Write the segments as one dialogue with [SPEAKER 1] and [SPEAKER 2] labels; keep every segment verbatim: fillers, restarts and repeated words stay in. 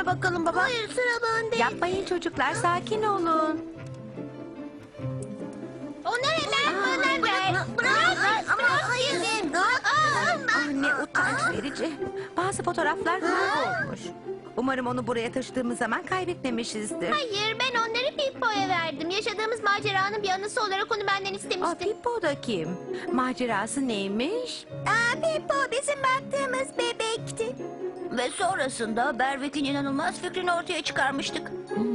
[SPEAKER 1] söyleme bakalım baba.
[SPEAKER 2] Hayır, sıra bende.
[SPEAKER 3] Yapmayın çocuklar, sakin olun.
[SPEAKER 2] Onlara ver, bana ver. Bırak, ama hayır.
[SPEAKER 3] Ah, ne utanç verici. Bazı fotoğraflar kaybolmuş. Umarım onu buraya taşıdığımız zaman kaybetmemişizdir.
[SPEAKER 2] Hayır, ben onları Pippo'ya verdim. Yaşadığımız maceranın bir anısı olarak onu benden
[SPEAKER 3] Aa,
[SPEAKER 2] istemişti.
[SPEAKER 3] Pippo da kim? Macerası neymiş?
[SPEAKER 2] Aa, Pippo bizim baktığımız bebekti. Ve sonrasında Berwick'in inanılmaz fikrini ortaya çıkarmıştık.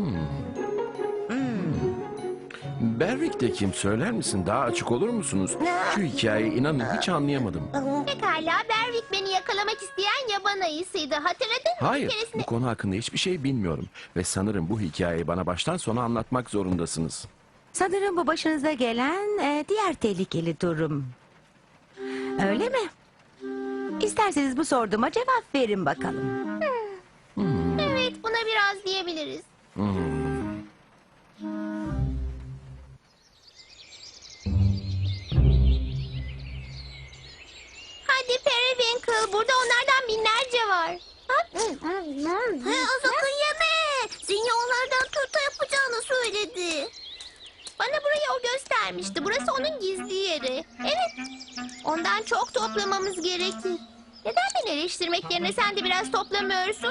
[SPEAKER 4] Berwick de kim söyler misin? Daha açık olur musunuz? Şu hikayeyi inanın hiç anlayamadım.
[SPEAKER 2] Pekala, Berwick beni yakalamak isteyen yaban ayısıydı. Hatırladın mı?
[SPEAKER 4] Hayır,
[SPEAKER 2] Bir keresinde...
[SPEAKER 4] bu konu hakkında hiçbir şey bilmiyorum. Ve sanırım bu hikayeyi bana baştan sona anlatmak zorundasınız.
[SPEAKER 3] Sanırım bu başınıza gelen e, diğer tehlikeli durum. Öyle mi? İsterseniz bu sorduğuma cevap verin bakalım.
[SPEAKER 2] Evet, buna biraz diyebiliriz. Hadi Periwinkle, burada onlardan binlerce var. He, sakın yeme. Zinya onlardan turta yapacağını söyledi. Bana burayı o göstermişti. Burası onun gizli yeri. Evet, ondan çok toplamamız gerekir. Neden beni eleştirmek yerine sen de biraz toplamıyorsun?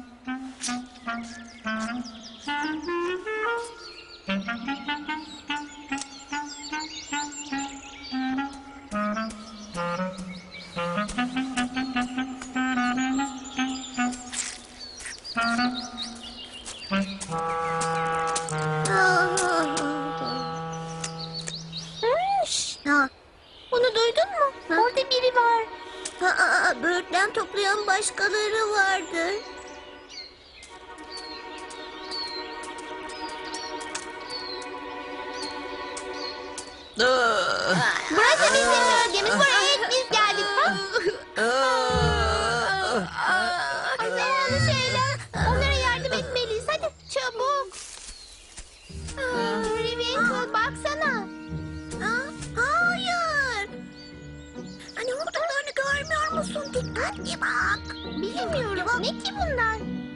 [SPEAKER 2] Ha. Bunu duydun mu? Orada biri var. Aa, böğürtlen toplayan başkaları vardı. Burası bizim bölgemiz. Buraya ilk biz geldik. Zararlı şeyler. Onlara yardım etmeliyiz. Hadi çabuk. Periwinkle, baksana. Hayır. Hani oradalarını görmüyor musun? Dikkatli bak. Bilmiyorum. Ne ki bunlar?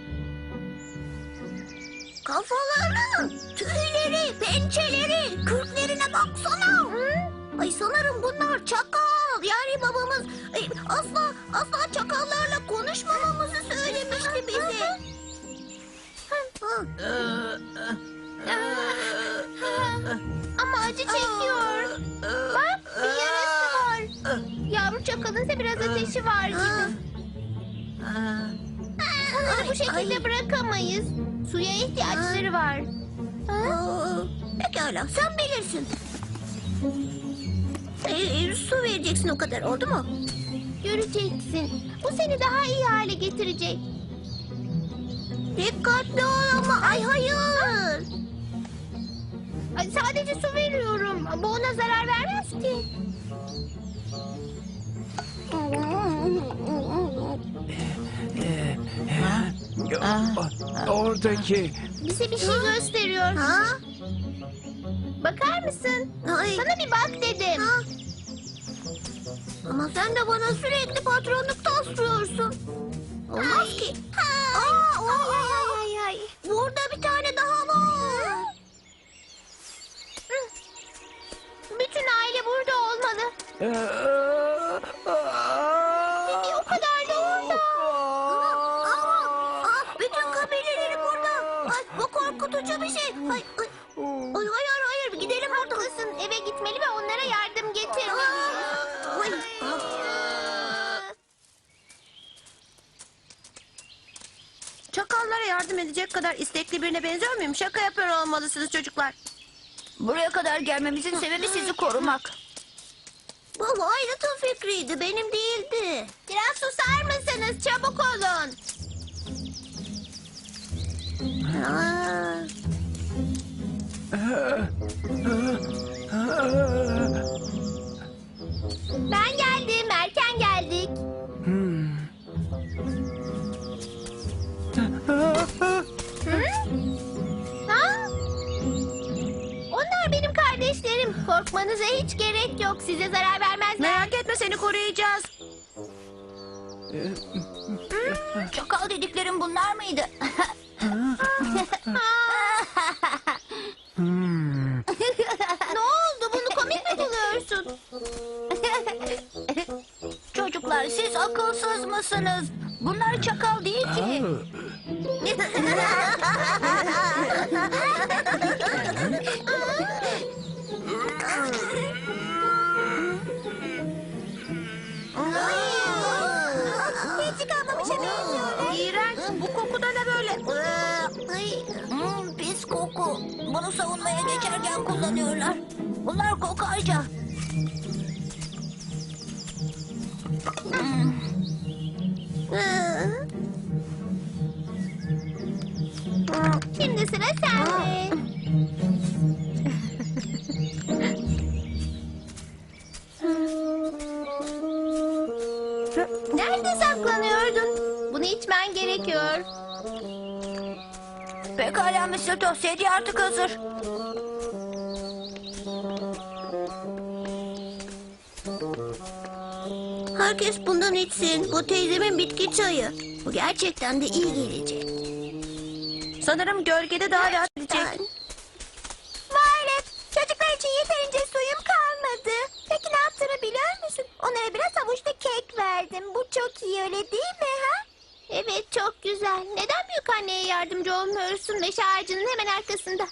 [SPEAKER 2] Kafaları, tüyleri, pençeleri, kürklerine baksana. Ay sanırım bunlar çakal. Yani babamız ay, asla asla çakallarla konuşmamamızı söylemişti bize. Ama acı çekiyor. Bak, bir yarası var. Yavru çakalınsa biraz ateşi var gibi. Onları bu şekilde bırakamayız. Suya ihtiyaçları var. Pekala, sen bilirsin. Ee, su vereceksin o kadar, oldu mu? Göreceksin. Bu seni daha iyi hale getirecek. Dikkatli ol ama. Ay hayır. Ay, sadece su veriyorum. Bu ona zarar vermez ki.
[SPEAKER 4] Oradaki...
[SPEAKER 2] Bize bir şey gösteriyor. Ha? Bakar mısın? Ay. Sana bir bak dedim. Ha? Ama sen de bana sürekli patronluk taslıyorsun. Olmaz ki. Aa, ay, ay, ay, ay. Burada bir tane daha var. Bütün aile burada olmalı. Bibi o kadar da orada. Aa, aa, bütün kabileleri burada. Ay, bu korkutucu bir şey. Ay, ay. Ay, hayır hayır, gidelim haklısın. Eve gitmeli ve onlara yardım getirmeliyiz. Ay,
[SPEAKER 1] Çakallara yardım edecek kadar istekli birine benziyor muyum? Şaka yapıyor olmalısınız çocuklar.
[SPEAKER 2] buraya kadar gelmemizin sebebi sizi korumak. Bu Violet'ın fikriydi, benim değildi. Biraz susar mısınız? Çabuk olun. Aa. Ben geldim, erken geldik. Hı? Ha? Onlar benim kardeşlerim. Korkmanıza hiç gerek yok. Size zarar vermezler.
[SPEAKER 1] Merak etme, seni koruyacağız.
[SPEAKER 2] Hı? Çakal dediklerim bunlar mıydı? Ne oldu? Bunu komik mi buluyorsun? Çocuklar siz akılsız mısınız? Bunlar çakal değil ki. Hiç kalmamışa benziyorlar.
[SPEAKER 1] İğrenç. Bu koku da ne böyle?
[SPEAKER 2] Hmm, pis koku. Bunu savunmaya geçerken kullanıyorlar. Bunlar kokarca. Hmm. Şimdi sıra sende. Nerede saklanıyordun? Bunu içmen gerekiyor. Pekala mister Tost, sedye artık hazır.
[SPEAKER 1] Herkes bundan içsin. Bu teyzemin bitki çayı.
[SPEAKER 2] Bu gerçekten de iyi gelecek.
[SPEAKER 1] Sanırım gölgede daha rahat edecek.
[SPEAKER 2] Violet, çocuklar için yeterince suyum kalmadı. Peki ne yaptığını biliyor musun? Onlara biraz havuçlu kek verdim. Bu çok iyi, öyle değil mi ha? Evet, çok güzel. Neden büyük anneye yardımcı olmuyorsun? Meşe ağacının hemen arkasında.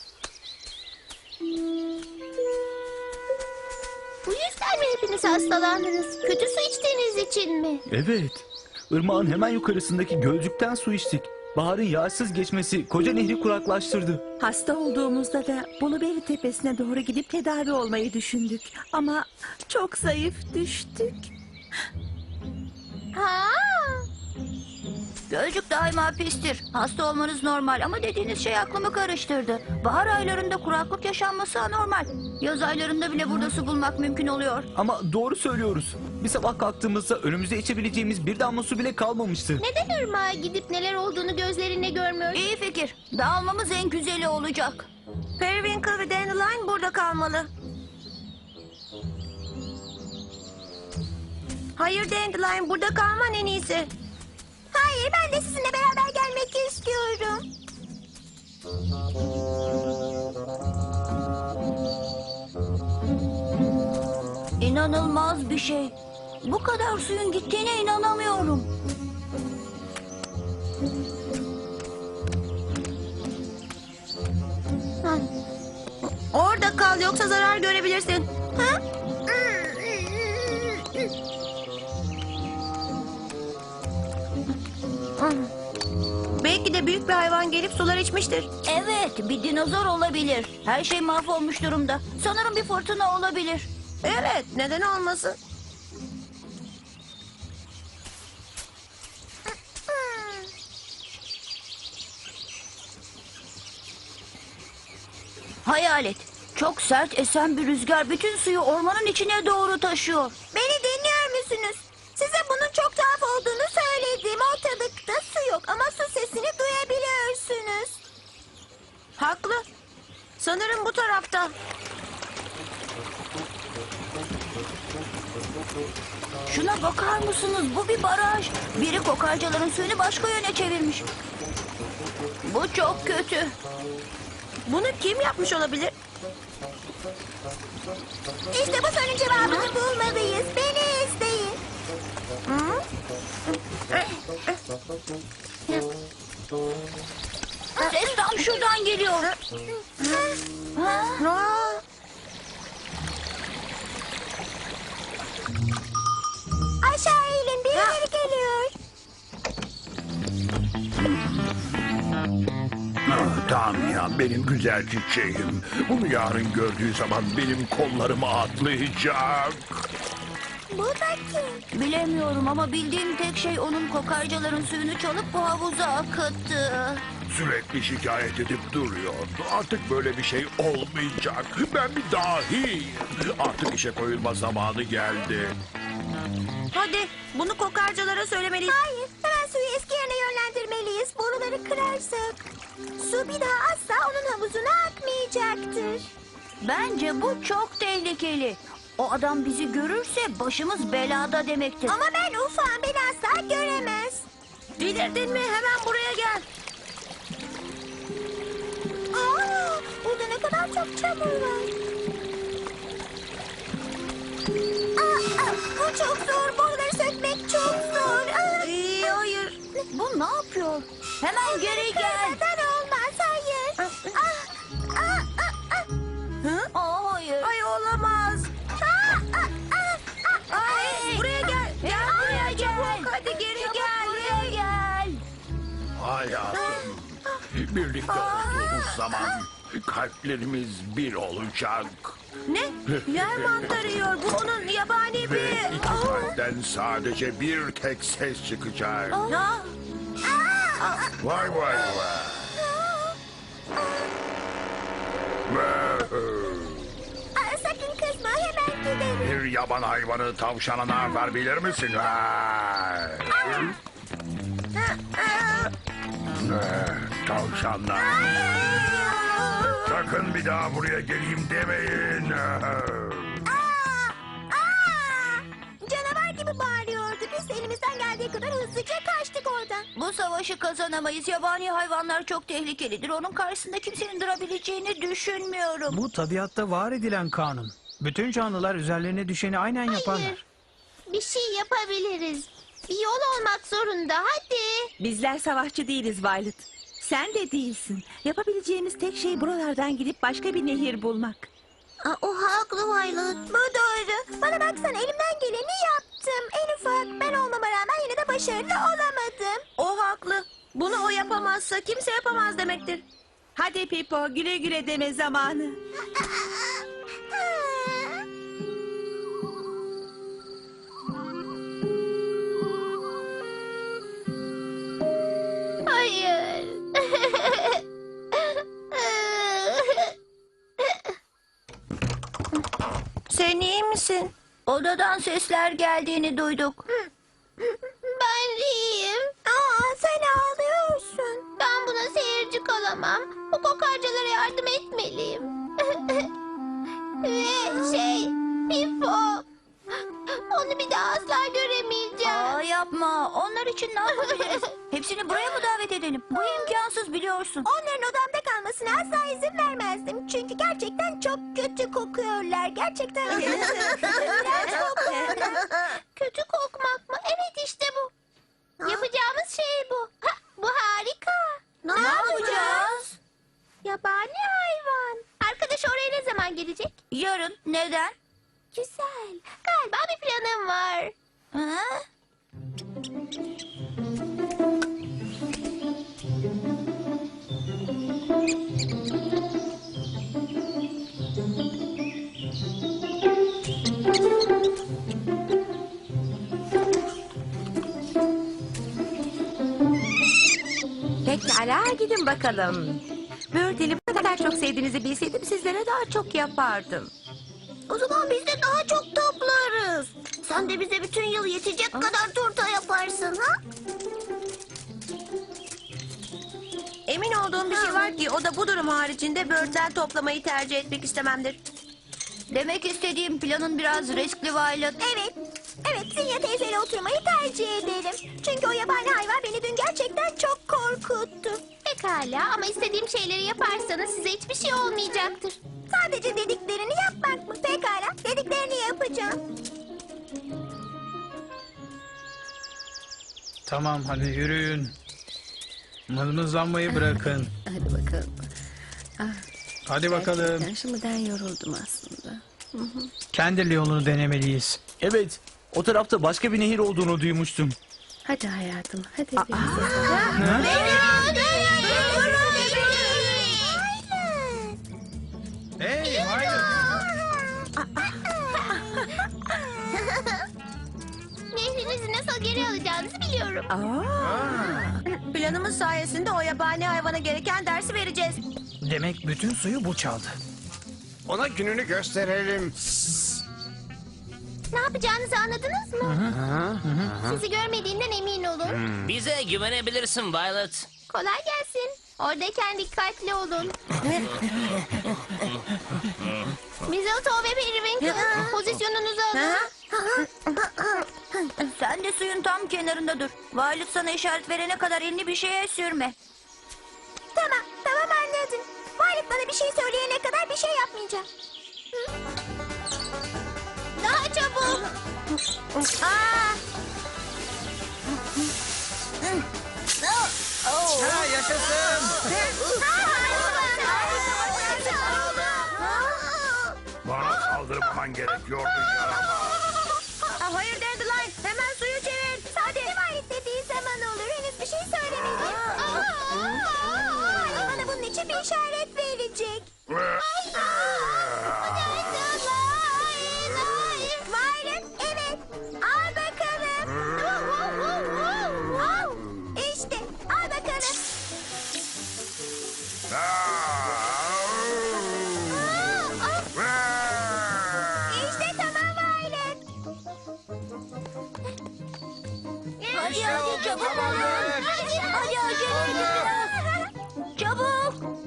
[SPEAKER 2] Bu yüzden mi hepiniz hastalandınız? Kötü su içtiğiniz için mi?
[SPEAKER 5] Evet. Irmağın hemen yukarısındaki gölcükten su içtik. Baharın yağsız geçmesi koca nehri kuraklaştırdı.
[SPEAKER 3] Hasta olduğumuzda da Blueberry Tepesi'ne doğru gidip tedavi olmayı düşündük. Ama çok zayıf düştük.
[SPEAKER 2] Ha? Gölcük daima pistir. Hasta olmanız normal ama dediğiniz şey aklımı karıştırdı. Bahar aylarında kuraklık yaşanması anormal. Yaz aylarında bile burada su bulmak mümkün oluyor.
[SPEAKER 5] Ama doğru söylüyoruz. Bir sabah kalktığımızda önümüzde içebileceğimiz bir damla su bile kalmamıştı.
[SPEAKER 2] Neden ırmağa gidip neler olduğunu gözlerinle görmüyorsun? İyi fikir. Dağılmamız en güzeli olacak.
[SPEAKER 1] Periwinkle ve Dandelion burada kalmalı. Hayır Dandelion, burada kalman en iyisi.
[SPEAKER 2] Hayır, ben de sizinle beraber gelmek istiyorum. İnanılmaz bir şey. Bu kadar suyun gittiğine inanamıyorum.
[SPEAKER 1] Orada kal, yoksa zarar görebilirsin.
[SPEAKER 2] Ha?
[SPEAKER 1] Belki de büyük bir hayvan gelip sular içmiştir.
[SPEAKER 2] Evet, bir dinozor olabilir. Her şey mahvolmuş durumda. Sanırım bir fırtına olabilir.
[SPEAKER 1] Evet, neden olmasın?
[SPEAKER 2] Hayalet. Çok sert esen bir rüzgar bütün suyu ormanın içine doğru taşıyor. Beni dinliyor musunuz? Size bunun çok tuhaf olduğunu söyledim. Ortalıkta su yok ama su sesini duyabiliyorsunuz.
[SPEAKER 1] Haklı. Sanırım bu tarafta.
[SPEAKER 2] Şuna bakar mısınız? Bu bir baraj. Biri kokarcaların suyunu başka yöne çevirmiş. Bu çok kötü.
[SPEAKER 1] Bunu kim yapmış olabilir?
[SPEAKER 2] İşte bu sorunun cevabını bulmalıyız. Beni izleyin. Ses tam şuradan geliyor. Ha?
[SPEAKER 1] Aa,
[SPEAKER 2] Aşağı eğilin, birileri geliyor.
[SPEAKER 6] Ah, Damian, benim güzel çiçeğim. Bunu yarın gördüğü zaman benim kollarıma atlayacak.
[SPEAKER 2] Bu da kim? Bilemiyorum ama bildiğim tek şey onun kokarcaların suyunu çalıp bu havuza akıttı.
[SPEAKER 6] Sürekli şikayet edip duruyordu. Artık böyle bir şey olmayacak. Ben bir dahiyim. Artık işe koyulma zamanı geldi.
[SPEAKER 1] hadi bunu kokarcalara söylemeliyiz.
[SPEAKER 2] Hayır, hemen suyu eski yerine yönlendirmeliyiz. Boruları kırarsak su bir daha asla onun havuzuna akmayacaktır. Bence bu çok tehlikeli. O adam bizi görürse başımız belada demektir. Ama ben ufağım, beni asla göremez.
[SPEAKER 1] Delirdin mi? Hemen buraya gel.
[SPEAKER 2] Aa, burada ne kadar çok çamur var. Aa, aa, bu çok zor. Boruları sökmek çok zor. Aa,
[SPEAKER 1] Ee, hayır.
[SPEAKER 2] bu ne yapıyor? Hemen geri gel. Neden olmaz? Hayır. Aa, aa, aa, aa.
[SPEAKER 1] Hı?
[SPEAKER 2] Aa, hayır.
[SPEAKER 1] Ay olamaz.
[SPEAKER 2] Aa, aa, aa, aa.
[SPEAKER 1] Ay, buraya gel. Gel buraya gel. Hadi geri gel.
[SPEAKER 2] Buraya gel.
[SPEAKER 6] Hayatım. Birlikte olduğumuz zaman kalplerimiz bir olacak.
[SPEAKER 1] Ne? Yer mantarı yiyor. Bu onun yabani
[SPEAKER 6] Ve
[SPEAKER 1] bir...
[SPEAKER 6] iki
[SPEAKER 1] Aa.
[SPEAKER 6] kalpten sadece bir tek ses çıkacak.
[SPEAKER 1] Ha?
[SPEAKER 6] Vay vay vay.
[SPEAKER 2] Aa, sakın kızma. Hemen gidelim.
[SPEAKER 6] Bir yaban hayvanı tavşana ne yapar bilir misin? Ha? Eh, Tavşanlar. Sakın bir daha buraya geleyim demeyin.
[SPEAKER 2] Aa! Aa! Canavar gibi bağırıyordu. Biz elimizden geldiği kadar hızlıca kaçtık oradan.
[SPEAKER 1] Bu savaşı kazanamayız. Yabani hayvanlar çok tehlikelidir. Onun karşısında kimsenin durabileceğini düşünmüyorum.
[SPEAKER 7] Bu tabiatta var edilen kanun. Bütün canlılar üzerlerine düşeni aynen yaparlar.
[SPEAKER 2] Hayır. Bir şey yapabiliriz. Bir yol olmak zorunda. Hadi.
[SPEAKER 3] Bizler savaşçı değiliz Violet. Sen de değilsin. Yapabileceğimiz tek şey buralardan gidip başka bir nehir bulmak.
[SPEAKER 2] Aa, o haklı Violet. Bu doğru. Bana baksana, elimden geleni yaptım. En ufak ben olmama rağmen yine de başarılı olamadım.
[SPEAKER 1] O haklı. Bunu o yapamazsa kimse yapamaz demektir.
[SPEAKER 3] Hadi Pipo, güle güle deme zamanı.
[SPEAKER 2] Hayır.
[SPEAKER 1] Sen iyi misin? Odadan sesler geldiğini duyduk.
[SPEAKER 2] Ben iyiyim. Aa, sen ağlıyorsun. Ben buna seyirci kalamam. Bu kokarcalara yardım etmeliyim. Ve şey, Pipo. Onu bir daha asla göremeyeceğim.
[SPEAKER 1] Aa, yapma. Onlar için ne yapabiliriz? Hepsini buraya mı davet edelim? Bu imkansız biliyorsun.
[SPEAKER 2] Onların odamda kalmasına asla izin vermezdim. Çünkü gerçekten çok kötü kokuyorlar. Gerçekten iğrenç kokuyorlar. Kötü kokmak mı? Evet, işte bu. Yapacağımız şey bu. Ha, bu harika.
[SPEAKER 1] Ne yapacağız?
[SPEAKER 2] Yabani hayvan. Arkadaş oraya ne zaman gelecek?
[SPEAKER 1] Yarın. Neden?
[SPEAKER 2] Güzel. Galiba bir planım var.
[SPEAKER 1] Ha?
[SPEAKER 3] Pekala, gidin bakalım. Böğürteli bu kadar çok sevdiğinizi bilseydim sizlere daha çok yapardım.
[SPEAKER 2] O zaman biz de daha çok toplarız. Sen de bize bütün yıl yetecek kadar turta yaparsın, ha?
[SPEAKER 1] Emin olduğum bir şey var ki o da bu durum haricinde böğürtlen toplamayı tercih etmek istememdir. Demek istediğim planın biraz riskli Violet.
[SPEAKER 2] Evet. Evet, Zinya teyzeyle oturmayı tercih ederim. Çünkü o yabani hayvan beni dün gerçekten çok korkuttu. Pekala, ama istediğim şeyleri yaparsanız size hiçbir şey olmayacaktır. Sadece dediklerini yapmak mı? Pekala, dediklerini yapacağım.
[SPEAKER 7] Tamam, hadi yürüyün. Mızmızlanmayı bırakın.
[SPEAKER 8] Hadi bakalım.
[SPEAKER 7] Hadi bakalım.
[SPEAKER 8] Ben şimdiden yoruldum aslında.
[SPEAKER 7] Kendi yolunu denemeliyiz.
[SPEAKER 5] Evet, o tarafta başka bir nehir olduğunu duymuştum.
[SPEAKER 8] Hadi hayatım, hadi.
[SPEAKER 7] Hey, hayır.
[SPEAKER 2] Nehrinizi nasıl geri alacağınızı biliyorum.
[SPEAKER 1] Planımız sayesinde o yabani hayvana gereken dersi vereceğiz.
[SPEAKER 7] Demek bütün suyu bu çaldı.
[SPEAKER 9] Ona gününü gösterelim.
[SPEAKER 2] Ne yapacağınızı anladınız mı? Sizi görmediğinden emin olun.
[SPEAKER 10] Bize güvenebilirsin Violet.
[SPEAKER 2] Kolay gelsin. Oradayken dikkatli olun. Mistletoe ve Periwinkle, pozisyonunuzu alın.
[SPEAKER 1] Sen Sen de suyun tam kenarında dur. Violet sana işaret verene kadar elini bir şeye sürme.
[SPEAKER 2] Tamam, tamam anladım. Violet bana bir şey söyleyene kadar bir şey yapmayacağım. Hı? Daha çabuk. Aa!
[SPEAKER 7] Ha yaşasın.
[SPEAKER 6] Bana saldırmaman gerekiyordu yaramaz.
[SPEAKER 1] Aa, hayır Dandelion, hemen suyu çevir.
[SPEAKER 2] Hadi. Violet dediği zaman olur. Henüz bir şey söylemedi. Bana bunun için bir işaret verecek. Violet, evet. Al bakalım. İşte, al bakalım. İşte tamam Violet. Hadi hadi çabuk olun. Hadi acele edin. Çabuk.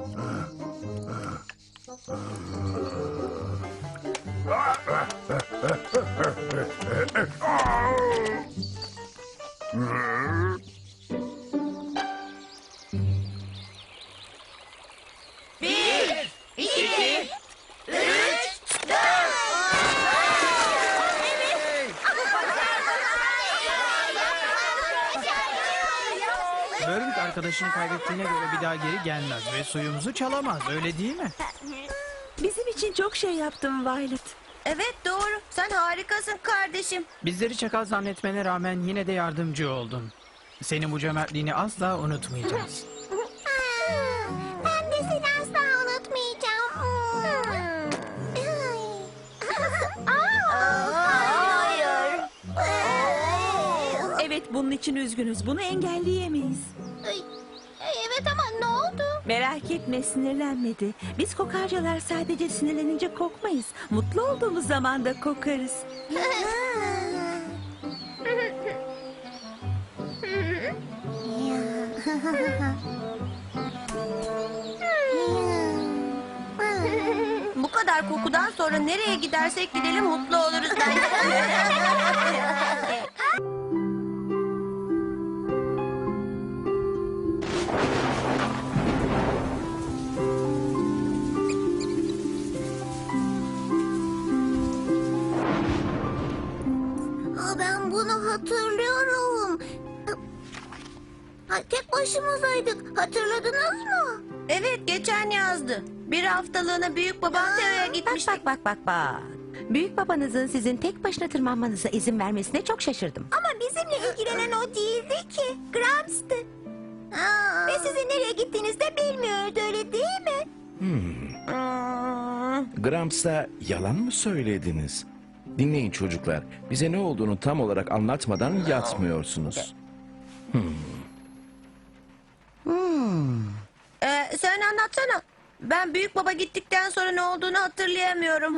[SPEAKER 1] Bir, iki, üç, dört.
[SPEAKER 7] Berwick arkadaşını kaybettiğine göre bir daha geri gelmez ve suyumuzu çalamaz. Öyle değil mi?
[SPEAKER 3] Bizim için çok şey yaptın Violet.
[SPEAKER 1] Evet doğru. Sen harikasın kardeşim.
[SPEAKER 7] Bizleri çakal zannetmene rağmen yine de yardımcı oldun. Senin bu cömertliğini asla unutmayacağız.
[SPEAKER 2] Ben de seni asla unutmayacağım. Hayır.
[SPEAKER 3] Evet, bunun için üzgünüz. Bunu engelleyemeyiz.
[SPEAKER 2] Evet ama ne oldu?
[SPEAKER 3] Merak etme, sinirlenmedi. Biz kokarcalar sadece sinirlenince kokmayız. Mutlu olduğumuz zaman da kokarız.
[SPEAKER 1] Bu kadar kokudan sonra nereye gidersek gidelim mutlu oluruz bence.
[SPEAKER 2] Aa, ben bunu hatırlıyorum. Ha, tek başımızaydık. Hatırladınız mı?
[SPEAKER 1] Evet geçen yazdı. Bir haftalığına büyük babam Teo'ya
[SPEAKER 3] Bak
[SPEAKER 1] gitmiştik.
[SPEAKER 3] bak bak bak bak. Büyük babanızın sizin tek başına tırmanmanıza izin vermesine çok şaşırdım.
[SPEAKER 2] Ama bizimle ilgilenen o değildi ki. Grams'tı. Ve sizin nereye gittiğinizi de bilmiyordu, öyle değil mi?
[SPEAKER 4] Grams'a yalan mı söylediniz? Dinleyin çocuklar. Bize ne olduğunu tam olarak anlatmadan yatmıyorsunuz.
[SPEAKER 1] Ee, sen anlatsana. Ben büyük baba gittikten sonra ne olduğunu hatırlayamıyorum.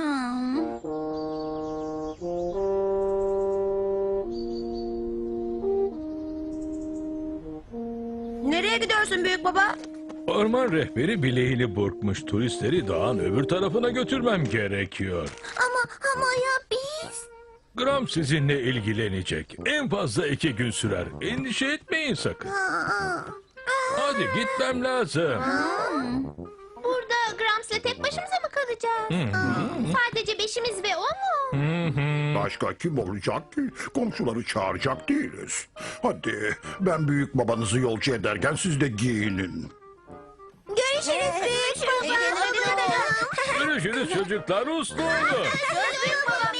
[SPEAKER 1] Nereye gidiyorsun büyük baba?
[SPEAKER 6] Orman rehberi bileğini burkmuş turistleri dağın öbür tarafına götürmem gerekiyor.
[SPEAKER 2] Ama ama ya biz?
[SPEAKER 6] Gram sizinle ilgilenecek. En fazla iki gün sürer. Endişe etmeyin sakın.
[SPEAKER 2] Aa,
[SPEAKER 6] Hadi gitmem lazım.
[SPEAKER 2] burada Grams'la tek başımıza mı kalacağız? Aa, sadece beşimiz ve o mu?
[SPEAKER 6] Başka kim olacak ki? Komşuları çağıracak değiliz. Hadi ben büyük babanızı yolcu ederken siz de giyinin.
[SPEAKER 2] Görüşürüz büyük baba.
[SPEAKER 6] Görüşürüz çocuklar, uslu olun.
[SPEAKER 2] Büyük baba.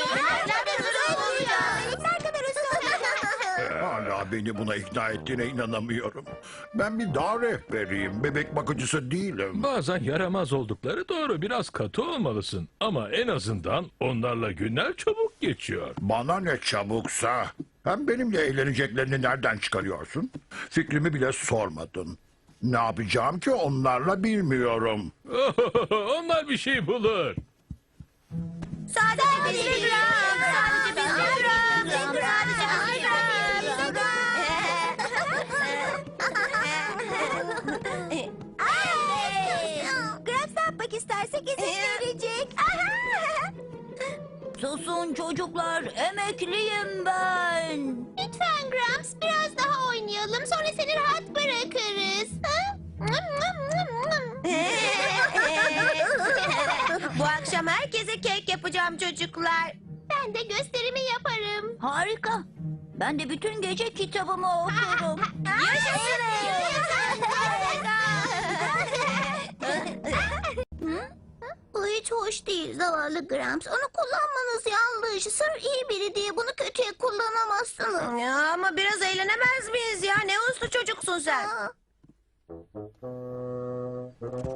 [SPEAKER 2] Ne kadar usta.
[SPEAKER 6] Hala beni buna ikna ettiğine inanamıyorum. Ben bir dağ rehberiyim, bebek bakıcısı değilim. Bazen yaramaz oldukları doğru, biraz katı olmalısın. Ama en azından onlarla günler çabuk geçiyor. Bana ne çabuksa. Hem benimle eğleneceklerini nereden çıkarıyorsun? Fikrimi bile sormadın. Ne yapacağım ki onlarla bilmiyorum. Onlar bir şey bulur.
[SPEAKER 1] Sadece biz bir gram. Sadece biz bir gram. Sadece biz bir gram.
[SPEAKER 2] Grams ne yapmak istersek izin verecek.
[SPEAKER 1] Susun çocuklar, emekliyim ben.
[SPEAKER 2] Lütfen Lütfen Gramps biraz daha oynayalım. Sonra seni rahat bırakırız. Ha?
[SPEAKER 1] Bu akşam herkese kek yapacağım çocuklar.
[SPEAKER 2] Ben de gösterimi yaparım.
[SPEAKER 1] Harika. Ben de bütün gece kitabımı okurum.
[SPEAKER 2] Bu hiç hoş değil zavallı Gramps. Onu kullanmanız yanlış. Sır iyi biri diye bunu kötüye kullanamazsınız.
[SPEAKER 1] Ya ama biraz eğlenemez miyiz ya? Ne uslu çocuksun sen.
[SPEAKER 2] Aa.